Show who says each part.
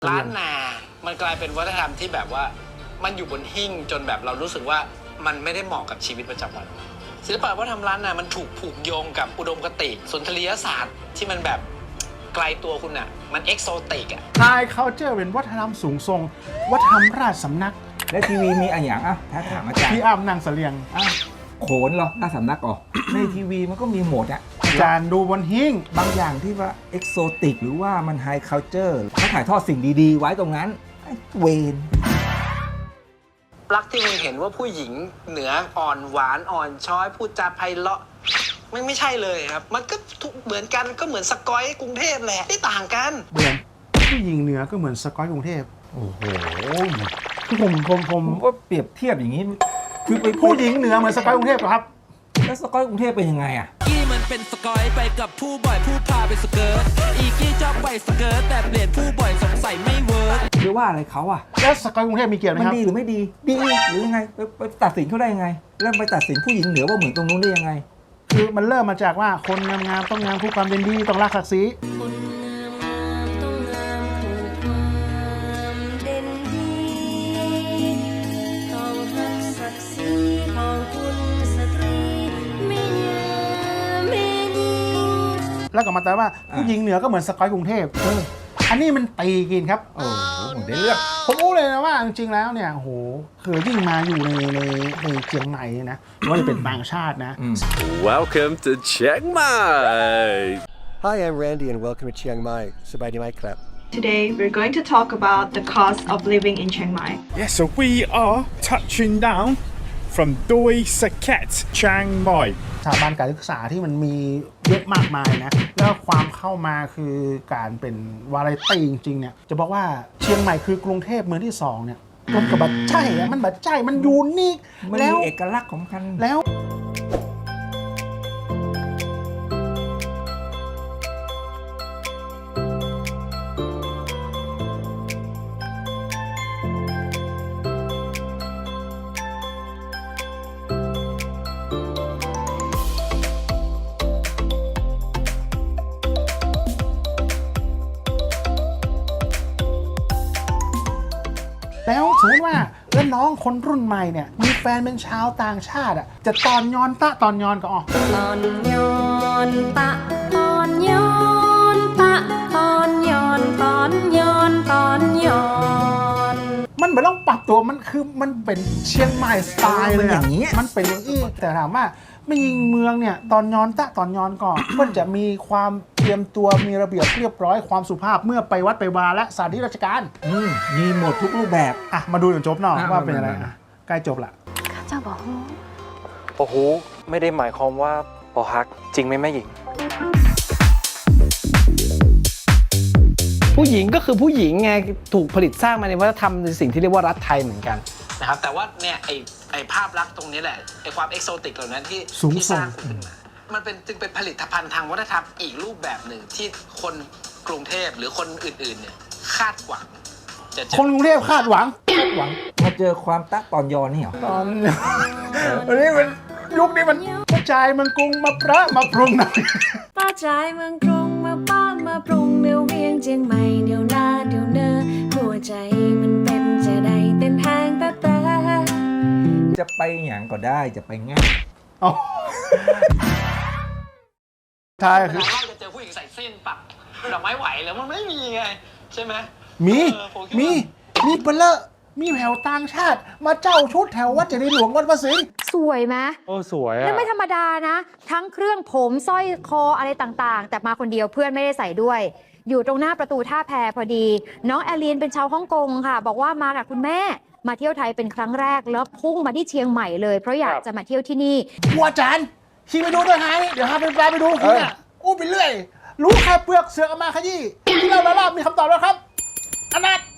Speaker 1: ล้านนามันกลายเป็นวัฒนธรรมที่แบบว่ามันอยู่บนหิ้งจนแบบเรารู้สึกว่ามันไม่ได้เหมาะกับชีวิตประจำวันศิลปะวัฒนธรรมล้านนามันถูกผูกโยงกับอุดมคติสุนทรียศาสตร์ที่มันแบบไกลตัวคุณอ่ะมันเอ็กโซติกอ่ะ
Speaker 2: ไฮเคาน์เตอร์เป็นวัฒนธรรมสูงทรงวัฒนธรรมราชสำนัก
Speaker 3: และทีวีมีอะไรอย่างถ้าถามอาจารย์
Speaker 2: พี่อ้ำนางเสลียง
Speaker 3: โขนเหรอราชสำนักอ๋อในทีวีมันก็มีหมดอะ
Speaker 2: อาจารย์ดูบนหิ้ง
Speaker 3: บางอย่างที่ว่าเอกโซติกหรือว่ามันไฮเคาน์เตอร์เขาถ่ายทอดสิ่งดีๆไว้ตรงนั้นเวน
Speaker 1: รักที่มึงเห็นว่าผู้หญิงเหนืออ่อนหวานอ่อนช้อยพูดจาไพเราะไม่ใช่เลยครับมันก็เหมือนกันก็เหมือนสกอยกรุงเทพแหละไม่ต่างกัน
Speaker 2: เหมือนผู้หญิงเหนือก็เหมือนสกอยกรุงเทพ
Speaker 3: โอ้โห
Speaker 2: ผม
Speaker 3: ว่าเปรียบเทียบอย่างนี้คือไป
Speaker 2: ผู้หญิงเหนือเหมือนสกอยกรุงเทพเหรอครับ
Speaker 3: แล้วสกอยกรุงเทพเป็นยังไงอ่ะ
Speaker 4: กี้มันเป็นสกอยไปกับผู้บ่อยผู้พาไปสเกิร์ตอีกี้ชอบไปสเกิร์ตแต่เปลี่ยนผู้บ่อยสงสัยไม่เวิร์ก
Speaker 3: หรือว่าอะไรเขาอ่ะ
Speaker 2: แล้วสกอยกรุงเทพมีเกี่ยวไหมครับ
Speaker 3: มันดีหรือไม่ดีดีหรือยังไงไปตัดสินเขาได้ยังไงเริ่มไปตัดสินผู้หญิงเหนือว่าเหมือนตรงนู้นได้ยังไง
Speaker 2: คือมันเริ่มมาจากว่าคนงามๆต้องงามคู่ความเป็นดีต้องรักศักดิ์ศรีแล้วก็มาแต่ว่าผู้หญิงเหนือก็เหมือนสกอยกรุงเทพอันนี้มันตีกินครับ
Speaker 3: โอ้โหได้เลือก
Speaker 2: ผมรู้เลยนะว่าจริงๆแล้วเนี่ยโหคือยิ่งมาอยู่ในเชียงใหม่นะว่าจะเป็นต่างชาตินะ
Speaker 5: Welcome to Chiang Mai.
Speaker 6: Hi, I'm Randy and welcome to Chiang Mai. สบายดีไหมครับ
Speaker 7: Today, we're going to talk about the cost of living in Chiang Mai.
Speaker 8: Yes, so we are touching down from Doi Saket, Chiang Mai.
Speaker 2: สถาบันการศึกษาที่มันมีเยอะมากมายนะแล้วความเข้ามาคือการเป็นวาไรตี้จริงๆเนี่ยจะบอกว่าเชียงใหม่คือกรุงเทพเมืองที่2เนี่ยมันก็บัดใจมันบัดใจมันยูนิค
Speaker 3: มันมีเอกลักษณ์ของมัน
Speaker 2: แล้วสมมติว่าแล้วน้องคนรุ่นใหม่เนี่ยมีแฟนเป็นชาวต่างชาติอ่ะจะตอนย้อนตะตอนย้อนก็
Speaker 9: ตอนย้อนตะตอนย้อนตะตอนย้อนตอนย้อนตอนย้อน
Speaker 2: มันไม่ต้องปรับตัวมันคือมันเป็นเชียงใหม่สไตล์เลยอย่างนี้มันเป็นอย่างนี้แต่ถามว่าไม่ยิงเมืองเนี่ยตอนย้อนตะตอนย้อนก่อนมันจะมีความเตรียมตัวมีระเบียบเรียบร้อยความสุภาพเมื่อไปวัดไปวาและสถานที่ราชการ
Speaker 3: มีหมดทุกรูปแบบ
Speaker 2: มาดูจนจบหน่อยว่าเป็นอะไรใกล้จบละ
Speaker 9: ข้าเจ้าบอก
Speaker 10: โอ้โหไม่ได้หมายความว่าปอฮักจริงไหมแม่หญิง
Speaker 1: ผู้หญิงก็คือผู้หญิงไงถูกผลิตสร้างมาในวัฒนธรรมในสิ่งที่เรียกว่ารัฐไทยเหมือนกันนะครับแต่ว่าเนี่ยไอ้ภาพลักษณ์ตรงนี้แหละไอ้ความเอกโซติกเหล่านั้นที่สร้างขึ้นมามันเป็นจึงเป็นผลิตภัณฑ์ทางวัฒนธรรมอีกรูปแบบหนึ่งที่คนกรุงเทพหรือคนอื่นๆเนี่ยคาดหวัง
Speaker 2: คนกรุงเทพคาดหวัง
Speaker 3: มาเจอความตะตอนย้อนนี่เหรอ
Speaker 2: ตอนนี้มันยุคนี้มันกระจายเมืองกรุงมาประมาปรุงหน่อย
Speaker 9: ป้าจายเมืองกรุงมาป้ามาปรุงเดี๋ยวเวียงเจียงใหม่เดี๋ยวหน้าเดี๋ยวเนอหัวใจมันเป็นจะได้เต้นทางแต่
Speaker 3: จะไปอย่างก็ได้จะไปง่าย
Speaker 2: ใช่คือ
Speaker 1: เราจะเจอผู้หญิงใส่เส้นปักดอกไม้ไหวแล้วมันไม่มีไงใช่ไหม
Speaker 2: มีเปลอะมีแถวต่างชาติมาเจ้าชุดแถววัดเจดีย์หลวงวัดพระสิงห์
Speaker 11: สวยไหม
Speaker 8: สวย
Speaker 11: แล้วไม่ธรรมดานะทั้งเครื่องผมสร้อยคออะไรต่างๆแต่มาคนเดียวเพื่อนไม่ได้ใส่ด้วยอยู่ตรงหน้าประตูท่าแพพอดีน้องแอลีนเป็นชาวฮ่องกงค่ะบอกว่ามากับคุณแม่มาเที่ยวไทยเป็นครั้งแรกแล้วพุ่งมาที่เชียงใหม่เลยเพราะอยากจะมาเที่ยวที่นี่
Speaker 2: อาจารย์ขี่ไปดูด้วยไงเดี๋ยวพาไปดูคุณเนี่ยอู้ไปเรื่อยรู้แค่เปลือกเสือกมาขยี้ที่เรามีคำตอบแล้วครับอนัท